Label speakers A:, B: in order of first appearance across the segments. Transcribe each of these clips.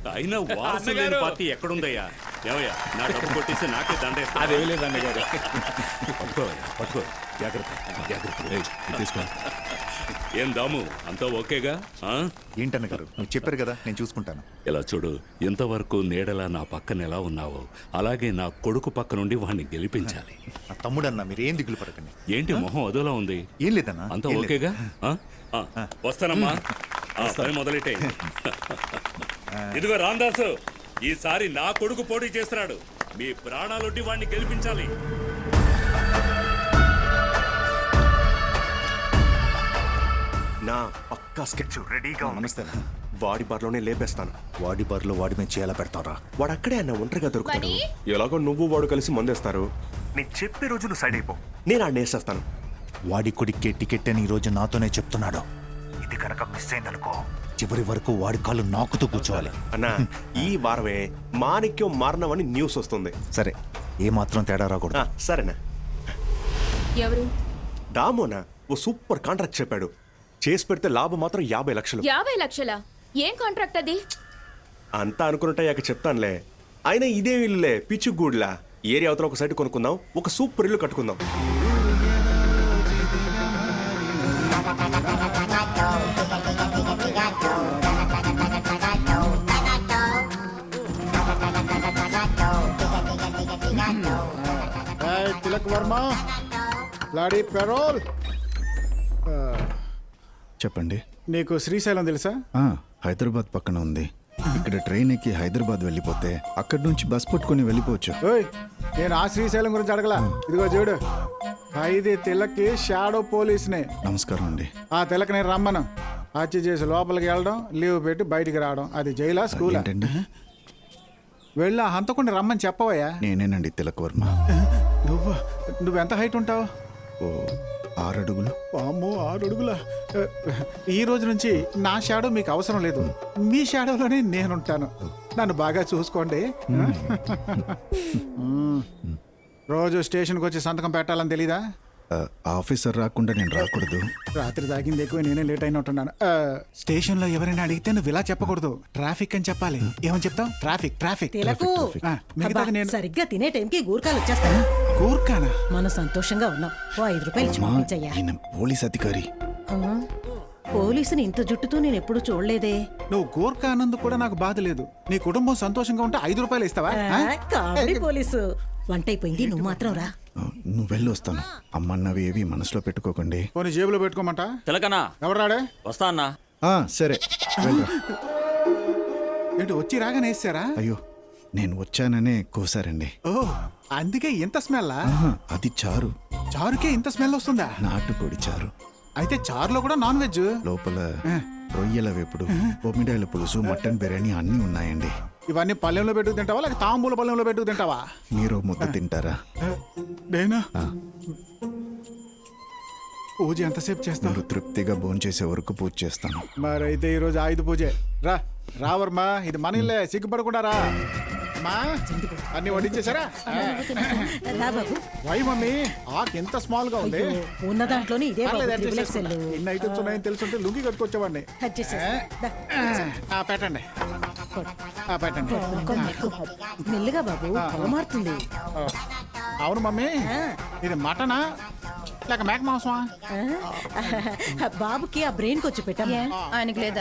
A: అయినా వారసు లేని పార్టీ ఎక్కడుందయ్యా? ఏమయ్యా, నా డబ్బు కొట్టేసి నాకే దండేస్తా.
B: అదేమీ లేదు అన్నగారు.
A: పట్టుకో, జాగ్రత్త.
B: తీసుకో.
A: ఏం దాము, అంతా ఓకేగా?
C: ఏంటన్నగారు, నువ్వు చెప్పారు కదా, నేను చూసుకుంటాను.
A: ఇలా చూడు, ఇంతవరకు నీడలా నా పక్కన ఎలా ఉన్నావో అలాగే నా కొడుకు పక్క నుండి వాడిని గెలిపించాలి.
C: నా తమ్ముడన్నా, మీరు ఏం దిగులు పడకండి.
A: ఏంటి మొహం అదోలా ఉంది?
C: ఏం లేదన్నా,
A: అంతా ఓకేగా? వస్తానమ్మా, పని మొదలెట్టే. ఇదిగో రాందాసు, ఈసారి నా కొడుకు పోటీ చేస్తున్నాడు. మీ ప్రాణాలొడ్డి వాడిని గెలిపించాలి.
D: నా పక్కా స్కెచ్ రెడీగా.
C: నమస్తే.
D: వాడి బార్లోనే లేపేస్తాను.
C: వాడి బార్లో వాడి మీద చేయాల పెడతారా?
D: వాడు అక్కడే అన్న ఒంటరిగా దొరుకుతాడు. ఎలాగో నువ్వు వాడు కలిసి మందేస్తారు. నేను చెప్పే రోజు నువ్వు సైడ్ అయిపో, నేను ఆడిని వేసేస్తాను.
C: వాడి కొడుక్కే టికెట్ అని ఈ రోజు నాతోనే చెప్తున్నాడు. ఇది కనుక మిస్ అయిందనుకో, చివరి వరకు వాడి కాళ్ళు నాకుతూ కూర్చోవాలి.
D: అన్నా, ఈ వారమే మాణిక్యం మారణమని న్యూస్ వస్తుంది.
C: సరే, ఏ మాత్రం తేడా రాకూడదు.
D: సరేనా?
E: ఎవరు?
D: దామోనా ఓ సూపర్ కాంట్రాక్ట్ చెప్పాడు. చేసి పెడితే లాభం మాత్రం 50 లక్షలు.
E: 50 లక్షలా? ఏం కాంట్రాక్ట్ అది?
D: అంతా అనుకుంటాయాక చెప్తానులే. అయినా ఇదే ఇల్లులే, పిచ్చుగూడ్లా. ఏరియా అవతల ఒక సైట్ కొనుక్కుందాం, ఒక సూపర్ ఇల్లు కట్టుకుందాం.
F: తిలక్ వర్మ, లాడీ పెరోల్.
G: చెప్పండి.
F: నీకు శ్రీశైలం తెలుసా?
G: హైదరాబాద్ పక్కన ఉంది. ఇక్కడ ట్రైన్ ఎక్కి హైదరాబాద్ వెళ్ళిపోతే అక్కడి నుంచి బస్ పట్టుకుని వెళ్ళిపోవచ్చు.
F: ఓయ్, నేను ఆ శ్రీశైలం గురించి అడగలా. ఇదిగో చూడు, ఖైదీ తిలక్కి షాడో పోలీస్నే.
G: నమస్కారం అండి.
F: ఆ తిలక్ నేను రమ్మను. హత్య చేసి లోపలికి వెళ్ళడం, లీవ్ పెట్టి బయటికి రావడం. అది జైలా స్కూలా?
G: ఏంటండి?
F: వెళ్ళి ఆ హంతకుండా రమ్మని చెప్పవయ్యా.
G: నేనేనండి తిలక్ వర్మ.
F: నువ్వెంత హైట్ ఉంటావు?
G: ఓ 6 అడుగులు.
F: అమ్మో, 6 అడుగుల. ఈ రోజు నుంచి నా షాడో మీకు అవసరం లేదు. మీ షాడోలోనే నేనుంటాను. నన్ను బాగా చూసుకోండి. రోజు స్టేషన్కి వచ్చి సంతకం పెట్టాలని తెలీదా?
G: ఆఫీసర్ రాకుండా నేను రాకూడదు.
F: రాత్రి తాగింది ఎక్కువ, నేనే లేట్ అయినట్టున్నాను. స్టేషన్లో ఎవరైనా అడిగితే నువ్వు ఇలా చెప్పకూడదు, ట్రాఫిక్ అని చెప్పాలి. ఏమని చెప్తావు? Traffic traffic.
H: సరిగ్గా తినే టైంకి గూర్ఖాలు వచ్చేస్తాయి.
F: గూర్ఖానా?
H: మనం సంతోషంగా ఉన్నాం. ఓ 5 రూపాయలు చూపించయ్యా.
G: పోలీస్ అధికారి.
H: పోలీసుని ఇంత జుట్టుతో నేను ఎప్పుడు చూడలేదే.
F: నువ్వు గూర్ఖా అన్నందుకు కూడా నాకు బాధ లేదు. నీ కుటుంబం సంతోషంగా ఉంటే 5 రూపాయలు ఇస్తావా?
H: Comedy police. వంట అయిపోయింది, నువ్వు మాత్రం రా.
G: నువ్వు వెళ్ళి వస్తాను. అమ్మన్నవి ఏవి మనసులో పెట్టుకోకండి.
F: పోనీ జేబులో పెట్టుకోమంట.
B: తిలకనా,
F: ఎవరు రాడే?
B: వస్తా అన్నా.
G: సరే వెళ్ళరా.
F: ఏంటి వచ్చి రాగానే వేసారా?
G: అయ్యో, నేను వచ్చాననే కోసారండి.
F: ఓ, అందుకే ఇంత స్మెల్?
G: అది చారు.
F: చారుకే ఇంత స్మెల్ వస్తుందా?
G: నాటుకోడి చారు.
F: అయితే చారులో కూడా నాన్ వెజ్?
G: లోపల రొయ్యల వేపుడు, బొమ్మిడాయల పులుసు, మటన్ బిర్యానీ అన్నీ ఉన్నాయండి.
F: ఇవన్నీ పల్లెంలో పెట్టుకు తింటావా, లేక తాంబూల పల్లెంలో పెట్టుకు తింటావా?
G: మీరు ముద్ద తింటారా?
F: నేనా? పూజ ఎంతసేపు చేస్తావు?
G: మీరు తృప్తిగా భోంచేసే వరకు పూజ చేస్తాను.
F: మరైతే ఈరోజు ఆయుధ పూజే. రా వర్మా, ఇది మన ఇల్లే, సిగ్గుపడకుండా రా. అన్ని వడ్డించేశారా? వై మమ్మీ, ఆకు ఎంత స్మాల్ గా ఉంది.
H: ఉన్న దాంట్లోనే ఇదే
F: ఇన్ని ఐటమ్స్ ఉన్నాయని తెలుసుంటే లుంగి కట్టుకొచ్చేవాడిని. పెట్టండి పెట్టండి.
H: మెల్లిగా బాబు, మారుతుంది.
F: అవును మమ్మీ, ఇది మటనా లేక మేక మాంసమా?
H: బాబుకి ఆ బ్రెయిన్ కొచ్చి పెట్టాము.
E: ఆయనకి లేదా?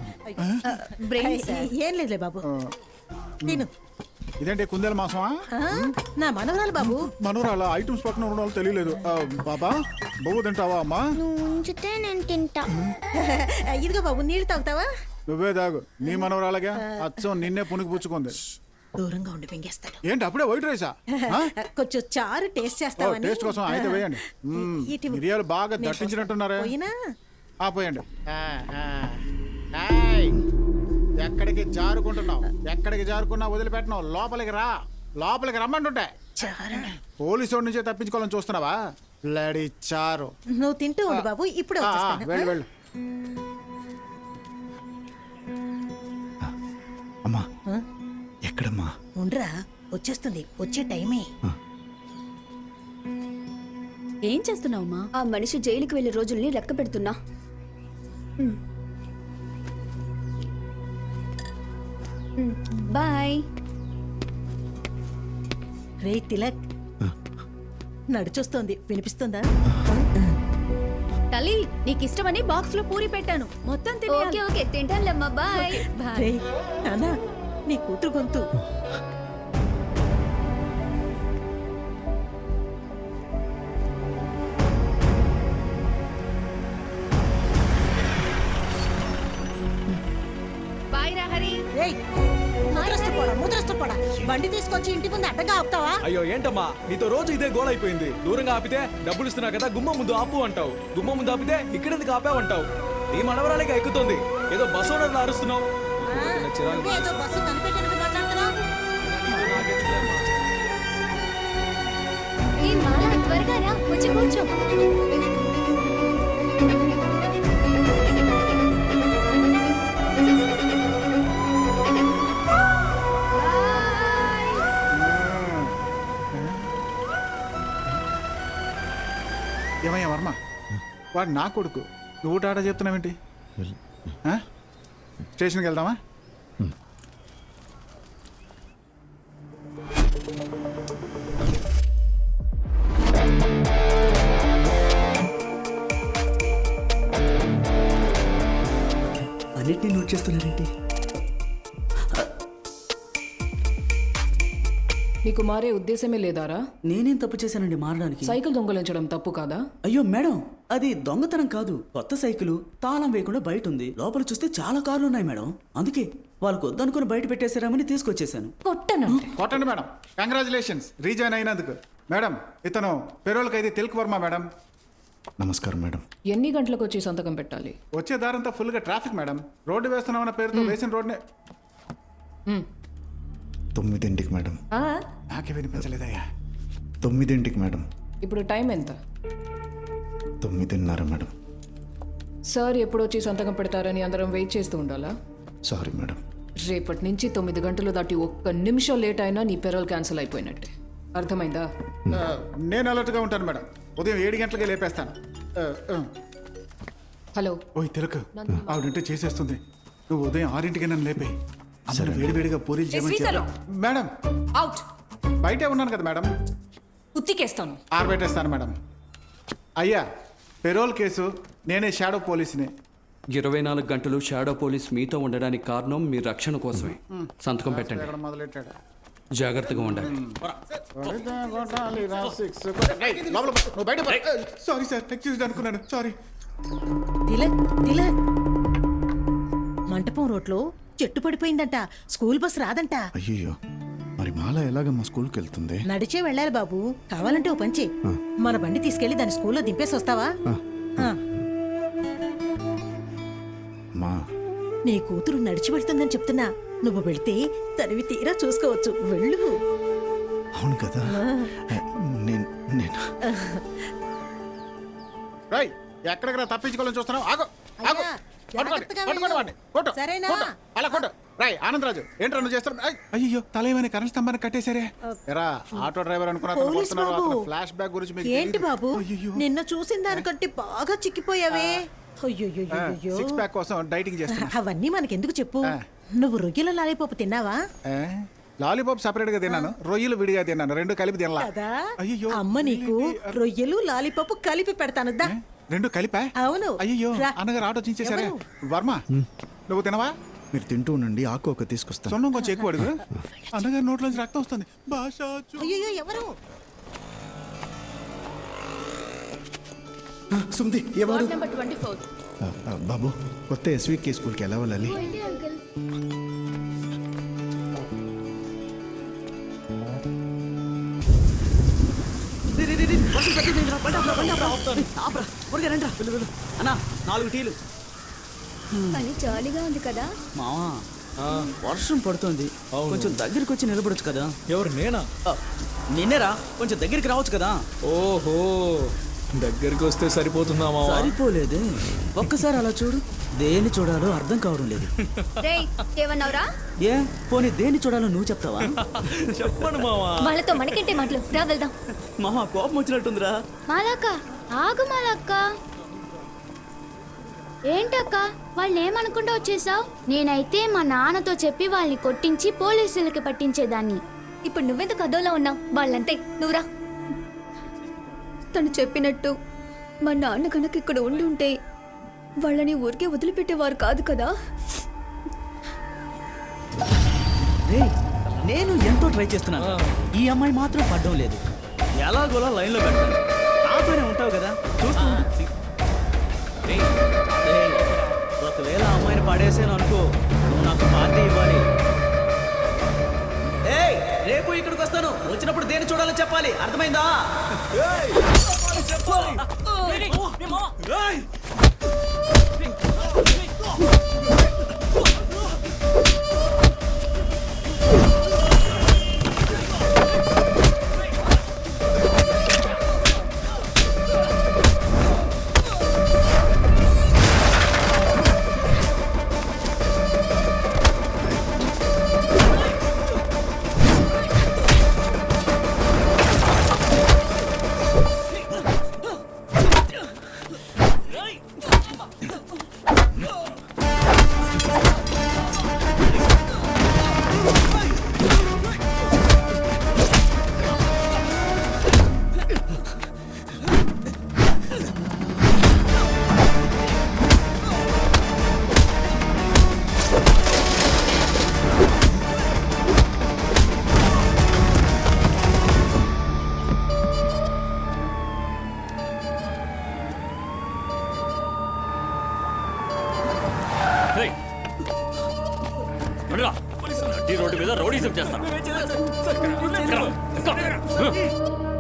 H: ఏం లేదులే బాబు, తిను.
F: ఇదేంటి కుందేల మాంసమా?
H: నా మనవరాలు బాబు.
F: మనవరాల ఐటమ్స్ పక్కన ఉండడం తెలియలేదు. బాబా, బొవ్వు తింటావా అమ్మా?
I: ఉంచితే నేను తింటా.
H: ఇదిగో బాబు, నీళ్ళు తాగుతావా?
F: నువ్వే తాగు. నీ మనవరాలగా అచ్చం నిన్నే పుణికి పుచ్చుకుంది.
H: దూరంగా ఉండి మింగేస్తాడు.
F: ఏంటి అప్పుడే వైట్ రైసా?
H: కొంచెం చారు టేస్ట్ చేస్తావా?
F: టేస్ట్ కోసం అయితే వేయండి. మిరియాలు బాగా దట్టించినట్టున్నారే. పోయండి. ఎక్కడికి జారుకుంటున్నావు? ఎక్కడికి జారుకున్నా వదిలిపెట్టినావు. లోపలికి రా, లోపలికి రమ్మంటుంటే. పోలీసు నుంచే తప్పించుకోవాలని చూస్తున్నావా? బ్లడీ చారు.
H: నువ్వు తింటూ ఉండు బాబు, ఇప్పుడు
F: వెళ్ళు వెళ్ళు.
G: అమ్మా, ఎక్కడమ్మా?
H: ఉండరా, వచ్చేస్తుంది, వచ్చే టైమే.
E: ఏం చేస్తున్నావమ్మా?
I: ఆ మనిషి జైలుకి వెళ్లే రోజుల్ని లెక్క పెడుతున్నా. బాయ్.
H: రే తిలక్ నడిచొస్తోంది వినిపిస్తుందా?
E: తల్లి నీకు ఇష్టమని బాక్స్ లో పూరి పెట్టాను, మొత్తం
I: ఓకే
E: తినేయాలి.
I: ఓకే తింటానులేమ్మా. బాయ్.
H: రే నానా నీ కూతురు గొంతు.
E: బాయ్ రా హరి.
H: రేయ్ ముద్రష్టపోడా బండి తీసుకొచ్చి ఇంటి ముందు అడ్డగా ఆపుతావా?
B: అయ్యో ఏంటమ్మా నీతో రోజు ఇదే గోల్ అయిపోయింది. దూరంగా ఆపితే డబ్బులు ఇస్తున్నా కదా గుమ్మం ముందు ఆపు అంటావు, గుమ్మం ముందు ఆపితే ఇక్కడెందుకు ఆపావంటావు. నీ మనవరాలికి ఎక్కుతుంది, ఏదో బస్ ఓనర్లు అరుస్తున్నావు.
H: ఏదో బస్సు కనిపెట్టినట్టు మాట్లాడుతున్నావు.
I: ఏ మాలా త్వరగా రా, వచ్చి కూర్చో.
F: ఏమయ్యా వర్మ, వాడు నా కొడుకు, నువ్వు టాటా చెప్తున్నావేంటి? ఆ? స్టేషన్కి వెళ్దామా?
B: అన్నిటినీ నోట్ చేస్తున్నారేంటి?
J: నీకు మారే ఉద్దేశమే లేదారా?
K: నేనేం తప్పు చేశానండి మారడానికి?
J: సైకిల్ దొంగలించడం తప్పు కాదా?
K: అయ్యో మేడం, అది దొంగతనం కాదు. కొత్త సైకిల్ తాళం వేయకుండా బయట ఉంది. లోపల చూస్తే చాలా కార్లు ఉన్నాయి మేడం. అందుకే వాళ్ళకు వద్దనుకుని బయట పెట్టేశారామని తీసుకొచ్చేసాను.
J: కొట్టనంటే
F: కొట్టండి మేడం. కంగ్రాచులేషన్స్ రీజాయిన్ అయినందుకు. మేడం ఇతను పెరోల్ ఖైదీ తిలక్ వర్మ మేడం.
G: నమస్కారం మేడం.
J: ఎన్ని గంటలకు వచ్చి సంతకం పెట్టాలి?
F: వచ్చే దారంతా ఫుల్గా ట్రాఫిక్ మేడం. రోడ్డు వేస్తున్నామన్న పేరుతో వేసిన రోడ్నే
G: 9ంటికి మేడం.
F: నాకే వినిపించలేదయ్యా.
G: 9ంటికి మేడం.
J: ఇప్పుడు టైం ఎంత?
G: 9:30 మేడం.
J: సార్ ఎప్పుడు వచ్చి సంతకం పెడతారని అందరం వెయిట్ చేస్తూ ఉండాలా?
G: Sorry madam.
J: రేపటి నుంచి 9 గంటలు దాటి ఒక్క నిమిషం లేట్ అయినా నీ పెరోల్ క్యాన్సిల్ అయిపోయినట్టే. అర్థమైందా?
F: నేను అలర్ట్గా ఉంటాను మేడం. ఉదయం 7 గంటలకే లేపేస్తాను.
J: హలో,
F: ఓయ్ తిలక్, ఆవిడంటే చేసేస్తుంది. నువ్వు ఉదయం 6ంటికి నన్ను లేపే. అందరూ వేడివేడిగా పూరీలు చేయమని చెప్పు. Madam
J: out.
F: బయటే ఉన్నాను కదా మేడం.
J: ఉత్తికేస్తాను.
F: ఆరబెట్టేస్తాను మేడం. అయ్యా పెరోల్ కేసు నేనే షాడో పోలీసుని.
B: 24 గంటలు షాడో పోలీస్ మీతో ఉండడానికి కారణం మీ రక్షణ కోసమే. సంతకం పెట్టండి.
F: ఎక్కడ మొదలెట్టాడు?
B: జాగ్రత్తగా ఉండాలి.
F: సారీ సార్, ఎక్స్క్యూజ్ అనుకున్నాను. సారీ.
H: తిలక్ తిలక్ మంటపం రోడ్లో చెట్టు పడిపోయిందంట. స్కూల్ బస్ రాదంట.
G: అయ్యో, మరి మాల ఎలాగమ్మా స్కూల్కి వెళ్తుంది?
H: నడిచే వెళ్ళాలి బాబు. కావాలంటే ఓ పంచి మన బండి తీసుకెళ్లి దాని స్కూల్లో దింపేసి వస్తావా? ఆ.
G: మా
H: నీ కూతురు నడిచి వెళ్తుందని చెప్తున్నా. నువ్వు వెళ్తే తనివి తీరా చూసుకోవచ్చు. వెళ్ళు.
G: అవును కదా. నేను నేను
F: రై ఎక్కడికి రా తప్పించుకోవాలని చూస్తున్నావు? ఆగు ఆగు.
H: అయ్యా,
F: పట్టుకోండి,
H: జాగ్రత్తగా
F: పట్టుకోండి
H: వెళ్ళు.
F: వాడిని. కొట్టు,
H: సరేనా?
F: కొట్టు. అలా కొట్టు. రై ఆనందరాజు, ఏంట్రా నువ్వు చేస్తున్నావు? అయ్యో తల ఏమైనా కరెంట్ స్తంభాన్ని కట్టేశారే. ఎరా ఆటో డ్రైవర్ అనుకున్నా
H: పోలీస్ బాబు.
F: ఫ్లాష్ బ్యాక్ గురించి మీకు
H: ఏంటి
F: తెలీదు.
H: బాబు,
F: అయ్యయ్యో.
H: నిన్న చూసిన దానికంటే బాగా చిక్కిపోయావే. అయ్యో
F: సిక్స్ ప్యాక్ కోసం డైటింగ్ చేస్తున్నా.
H: అవన్నీ మనకెందుకు చెప్పు.
F: ఆ.
H: నువ్వు రొయ్యల లాలిపప్పు తిన్నావా?
F: లాలీపాప్ సెపరేట్ గా తిన్నాను, రొయ్యలు విడిగా తిన్నాను, రెండు కలిపి తినలా.
H: కదా
F: అయ్యో
H: అమ్మ నీకు రొయ్యలు లాలిపప్పు కలిపి పెడతాను దా.
F: రెండు కలిపా?
H: అవును.
F: అయ్యో
H: రా.
F: అన్నగారు ఆటో చించేశారే.
H: ఎవరు?
F: వర్మ నువ్వు తినవా?
G: మీరు తింటూ ఉండండి, ఆకు ఒక తీసుకొస్తాను.
F: సొన్నం కొంచెం ఎక్కువ అడుగు. అన్నగారి నోట్లోంచి రక్తం వస్తుంది. భాష
H: అయ్యో ఎవరు?
G: సుమ్ది ఎవరు?
E: Ward number 24.
G: బాబు, కొత్త ఎస్వికే స్కూల్కి ఎలా వెళ్ళాలి?
I: అంకుల్
K: అన్నా 4 టీలు.
I: కానీ జాలీగా ఉంది కదా.
K: మావా వర్షం పడుతుంది, కొంచెం దగ్గరికి వచ్చి నిలబడొచ్చు కదా.
B: ఎవరు నేనా?
K: నిన్నేరా, కొంచెం దగ్గరికి రావచ్చు కదా.
B: ఓహో, దగ్గరికి వస్తే సరిపోతుందా మావా?
K: సరిపోలేదే, ఒక్కసారి అలా చూడు. దేన్ని చూడాలో అర్థం కావడం లేదు.
I: రేయ్ ఏమన్నావురా?
K: ఏ పోనీ దేన్ని చూడాలో నువ్వు చెప్తావా?
B: చెప్పండి మావా.
I: వాళ్ళతో మనకేంటే మాటలు, రా వెళ్దాం.
K: మామ కోపం వచ్చినట్టుందిరా.
I: మాలాక్క ఆగు మాలాక్క. ఏంటక్క వాళ్ళు ఏమనుకుంటా వచ్చేసావు? నేనైతే మా నాన్నతో చెప్పి వాళ్ళని కొట్టించి పోలీసులకి పట్టించేదాన్ని. ఇప్పుడు నువ్వెందుకు అదోలా ఉన్నావు? వాళ్ళంతే, నువ్వురా. తను చెప్పినట్టు మా నాన్న కనుక ఇక్కడ ఉండి ఉంటే వాళ్ళని ఊరికే వదిలిపెట్టేవారు కాదు కదా.
K: రేయ్, నేను ఎంతో ట్రై చేస్తున్నాను, ఈ అమ్మాయి మాత్రం పడ్డం లేదు. ఎలాగోలా లైన్లో పెడతాను, నాతోనే ఉంటావు కదా, చూస్తూ ఉండు. రేయ్, ఒకవేళ ఆ అమ్మాయిని పడేసాను అనుకో, నువ్వు నాకు పార్టీ ఇవ్వాలి. ఏయ్, రేపు ఇక్కడికి వస్తాను, వచ్చినప్పుడు దేని చూడాలో చెప్పాలి, అర్థమైందా?
A: రోడ్డు మీద రౌడీజం చేస్తాను.